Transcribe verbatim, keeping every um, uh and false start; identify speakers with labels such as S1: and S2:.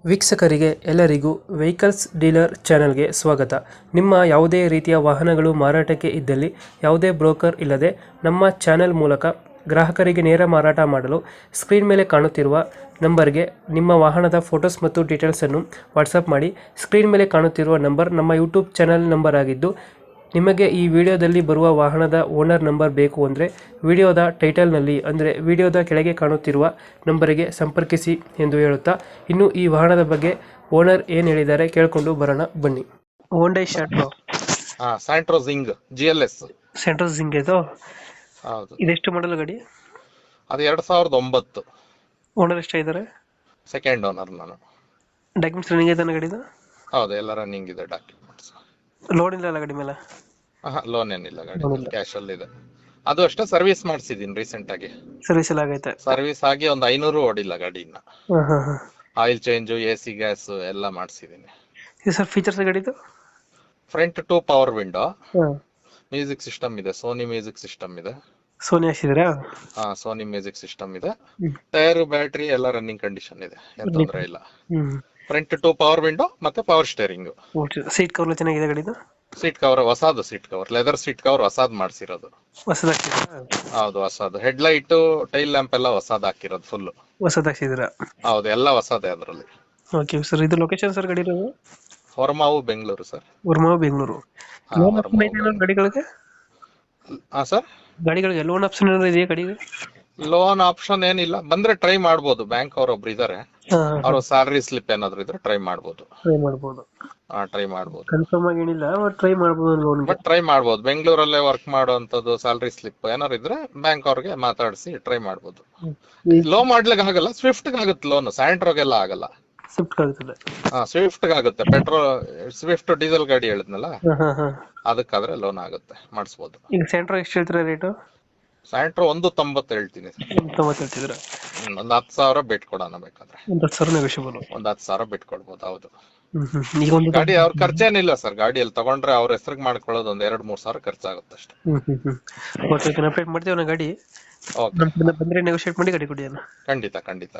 S1: ವೀಕ್ಷಕರಿಗೆ ಎಲ್ಲರಿಗೂ vehicles dealer ಚಾನೆಲ್ಗೆ ಸ್ವಾಗತ. ನಿಮ್ಮ ಯಾವುದೇ ರೀತಿಯ ವಾಹನಗಳು ಮಾರಾಟಕ್ಕೆ ಇದ್ದಲ್ಲಿ ಯಾವುದೇ ಬ್ರೋಕರ್ ಇಲ್ಲದೆ ನಮ್ಮ ಚಾನೆಲ್ ಮೂಲಕ ಗ್ರಾಹಕರಿಗೆ ನೇರ ಮಾರಾಟ ಮಾಡಲು ಸ್ಕ್ರೀನ್ ಮೇಲೆ ಕಾಣುತ್ತಿರುವ ನಂಬರ್ಗೆ ನಿಮ್ಮ ವಾಹನದ ಫೋಟೋಸ್ ಮತ್ತು ಡೀಟೇಲ್ಸನ್ನು ವಾಟ್ಸಪ್ ಮಾಡಿ. ಸ್ಕ್ರೀನ್ ಮೇಲೆ ಕಾಣುತ್ತಿರುವ ನಂಬರ್ ನಮ್ಮ ಯೂಟ್ಯೂಬ್ ಚಾನೆಲ್ ನಂಬರ್ ಆಗಿದ್ದು, ನಿಮಗೆ ಈ ವಿಡಿಯೋದಲ್ಲಿ ಬರುವ ವಾಹನದ ಓನರ್ ನಂಬರ್ ಬೇಕು ಅಂದರೆ ವಿಡಿಯೋದ ಟೈಟಲ್ನಲ್ಲಿ ಅಂದರೆ ವಿಡಿಯೋದ ಕೆಳಗೆ ಕಾಣುತ್ತಿರುವ ನಂಬರಿಗೆ ಸಂಪರ್ಕಿಸಿ ಎಂದು ಹೇಳುತ್ತಾ, ಇನ್ನು ಈ ವಾಹನದ ಬಗ್ಗೆ ಓನರ್ ಏನು ಹೇಳಿದ್ದಾರೆ ಕೇಳಿಕೊಂಡು ಬರೋಣ ಬನ್ನಿ. ಹೋಂಡೈ ಶಾಟ್ರೋ
S2: ಹಾ Santro Xing G L S
S1: Santro Xing ಇದು
S2: ಹೌದು.
S1: ಇದೆಷ್ಟು ಮಾಡಲ್ ಗಾಡಿ?
S2: ಅದು ಎರಡ್ ಸಾವಿರದ ಒಂಬತ್ತು.
S1: ಓನರ್ ಎಷ್ಟಾಗಿದ್ದಾರೆ?
S2: ಸೆಕೆಂಡ್ ಓನರ್ ನಾನು.
S1: ಡಾಕ್ಯುಮೆಂಟ್ಸ್ ರನ್ನಿಂಗ್ ಐತಾನೆ ಗಾಡಿದು?
S2: ಹೌದು, ಎಲ್ಲ ರನ್ನಿಂಗ್ ಇದೆ ಡಾಕ್ಯುಮೆಂಟ್ಸ್.
S1: ಲೋನ್ ಇಲ್ಲ ಅಲ್ಲ ಗಾಡಿ ಮೇಲೆ?
S2: ಹಾ ಲೋನ್ ಏನಿಲ್ಲ, ಗಾಡಿ ಕ್ಯಾಶ್ ಅಲ್ಲಿ ಇದೆ. ಅದು ಅಷ್ಟೇ ಸರ್ವಿಸ್ ಮಾಡಿಸಿದೀನಿ ರೀಸೆಂಟ್ ಆಗಿ.
S1: ಸರ್ವಿಸ್ ಎಲ್ಲ ಆಗೈತೆ?
S2: ಸರ್ವಿಸ್ ಆಗಿ ಒಂದು ಐನೂರು ಓಡಿಲ್ಲ ಗಾಡಿ ಇನ್ನ.
S1: ಹಾಂ ಹಾಂ ಹಾಂ.
S2: Oil change, A C, gas ಎಲ್ಲ ಮಾಡಿಸಿದೀನಿ.
S1: ಇದು ಸರ್ ಫೀಚರ್ಸ್ ಗಾಡಿದು?
S2: ಫ್ರಂಟ್ ಟು ಪವರ್ ವಿಂಡೋ,
S1: ಹಾಂ.
S2: ಮ್ಯೂಸಿಕ್ ಸಿಸ್ಟಮ್ ಇದೆ, ಸೋನಿ ಮ್ಯೂಸಿಕ್ ಸಿಸ್ಟಮ್ ಇದೆ.
S1: ಸೋನಿ ಹಾಕ್ಸಿದ್ದೀರಾ?
S2: ಹಾ ಸೋನಿ ಮ್ಯೂಸಿಕ್ ಸಿಸ್ಟಮ್ ಇದೆ. ಟೈರ್, ಬ್ಯಾಟ್ರಿ ಎಲ್ಲ ರನ್ನಿಂಗ್ ಕಂಡೀಷನ್ ಇದೆ, ಏನ್ ತೊಂದ್ರೆ ಇಲ್ಲ.
S1: ಹ್ಞೂ.
S2: ಫ್ರಂಟ್ ಟು ಪವರ್ ವಿಂಡೋ ಮತ್ತೆ ಪವರ್ ಸ್ಟೇರಿಂಗ್.
S1: ಸೀಟ್ ಕವರ್ ಚೆನ್ನಾಗಿದೆ ಗಾಡಿದು?
S2: ಸೀಟ್ ಕವರ್ ಹೊಸಾದು, seat cover leather seat cover ಹೊಸಾದ್ ಮಾಡ್ಸಿರೋದು.
S1: ಹೊಸದು ಹಾಕ್ಸಿದ್ದೀರಾ?
S2: ಹೌದು ಹೊಸಾದು. ಹೆಡ್ ಲೈಟ್, ಟೈಲ್ ಲ್ಯಾಂಪ್ ಎಲ್ಲ ಹೊಸಾದ್ ಹಾಕಿರೋದು ಫುಲ್.
S1: ಹೊಸದು ಹಾಕ್ಸಿದ್ದೀರಾ?
S2: ಹೌದು, ಎಲ್ಲ ಹೊಸದೇ ಅದರಲ್ಲಿ.
S1: ಓಕೆ ಸರ್, ಇದು ಲೊಕೇಶನ್ ಸರ್ ಗಾಡಿ ಇರೋದು?
S2: ಹೊರಮಾವು ಬೆಂಗಳೂರು ಸರ್.
S1: ಉರ್ಮಾವ್ ಬೆಂಗಳೂರು.
S2: ಹಾ,
S1: ಲೋನ್
S2: ಹೊರಮಾವು
S1: ಆಪ್ಷನ್ ಐತೆ ಗಾಡಿಗಳಿಗೆ?
S2: ಹಾ ಸರ್,
S1: ಗಾಡಿಗಳಿಗೆ ಲೋನ್ ಆಪ್ಷನ್ ಏನಾದ್ರು ಇದೆಯಾ ಗಾಡಿಗೆ?
S2: ಲೋನ್ ಆಪ್ಷನ್ ಏನಿಲ್ಲ, ಬಂದ್ರೆ ಟ್ರೈ ಮಾಡ್ಬೋದು. ಬ್ಯಾಂಕ್ ಅವ್ರೊಬ್ರು ಇದಾರೆ, ಅವ್ರ ಸ್ಯಾಲರಿ ಸ್ಲಿಪ್ ಏನಾದ್ರು ಇದ್ರೆ ಟ್ರೈ ಮಾಡ್ಬೋದು.
S1: ಟ್ರೈ ಮಾಡ್ಬೋದು.
S2: ಹಾ ಟ್ರೈ ಮಾಡ್ಬೋದು.
S1: ಕನ್ಫರ್ಮ್ ಆಗಿ ಏನಿಲ್ಲ, ಟ್ರೈ ಮಾಡ್ಬೋದು ಲೋನ್.
S2: ಬಟ್ ಟ್ರೈ ಮಾಡ್ಬೋದು. ಬೆಂಗಳೂರಲ್ಲೇ ವರ್ಕ್ ಮಾಡುವಂತದ್ದು ಸ್ಯಾಲರಿ ಸ್ಲಿಪ್ ಏನಾರು ಇದ್ರೆ ಬ್ಯಾಂಕ್ ಅವ್ರಿಗೆ ಮಾತಾಡಿಸಿ ಟ್ರೈ ಮಾಡ್ಬೋದು. ಲೋ ಮಾಡ್ಲಿಕ್ಕೆ ಆಗಲ್ಲ, ಸ್ವಿಫ್ಟ್ ಆಗುತ್ತೆ ಲೋನ್, ಸ್ಯಾಂಟ್ರೋಗೆಲ್ಲ ಆಗಲ್ಲ.
S1: ಸ್ವಿಫ್ಟ್ ಆಗುತ್ತದೆ?
S2: ಹಾ ಸ್ವಿಫ್ಟ್ ಆಗುತ್ತೆ. ಪೆಟ್ರೋಲ್ ಸ್ವಿಫ್ಟ್ ಡೀಸೆಲ್ ಗಾಡಿ ಹೇಳಿದ್ನಲ್ಲ,
S1: ಹಾ ಹಾ.
S2: ಅದಕ್ಕಾದ್ರೆ ಲೋನ್ ಆಗುತ್ತೆ, ಮಾಡಿಸ್ಬೋದು.
S1: ಈಗ ಸೆಂಟ್ರೋ ಎಷ್ಟು ಹೇಳ್ತೀರಾ ರೇಟು?
S2: ಸ್ಯಾಂಟ್ರೋ ಒಂದು ತೊಂಬತ್ತು ಹೇಳ್ತೀನಿ.
S1: ತೊಂಬತ್ತು ಹೇಳ್ತಿದ್ರ?
S2: ಒಂದ್ ಹತ್ತು ಸಾವಿರ ಬಿಟ್ ಕೊಡೋಣ ಬೇಕಾದ್ರೆ.
S1: ಒಂದು ಹತ್ತು ಸಾವಿರ ನೆಗೋಷಿಯಬಲ್?
S2: ಒಂದ್ ಹತ್ತು ಸಾವಿರ ಬಿಟ್ ಕೊಡ್ಬೋದು. ಹೌದು.
S1: ಈಗ ಒಂದು
S2: ಗಾಡಿ ಅವ್ರ ಖರ್ಚೇನಿಲ್ಲ ಸರ್. ಗಾಡಿಯಲ್ಲಿ ತಗೊಂಡ್ರೆ ಅವ್ರ ಹೆಸರಿಗೆ ಮಾಡ್ಕೊಳ್ಳೋದು ಒಂದ್ ಎರಡ್ ಮೂರ್ ಸಾವಿರ ಖರ್ಚಾಗುತ್ತೆ ಅಷ್ಟೇ.
S1: ಹ್ಮ್ ಹ್ಮ್ ಹ್ಮ್. ಓಕೆ, ಅಪ್ಡೇಟ್ ಮಾಡ್ತೀವಿ ನಾ ಗಾಡಿ.
S2: ಓಕೆ,
S1: ನಮ್ಮ ಕಡೆಯಿಂದ ಬಂದ್ರೆ ನೆಗೋಷಿಯೇಟ್ ಮಾಡಿ ಗಾಡಿ ಕೊಡಿ ಅಣ್ಣ.
S2: ಖಂಡಿತ ಖಂಡಿತ.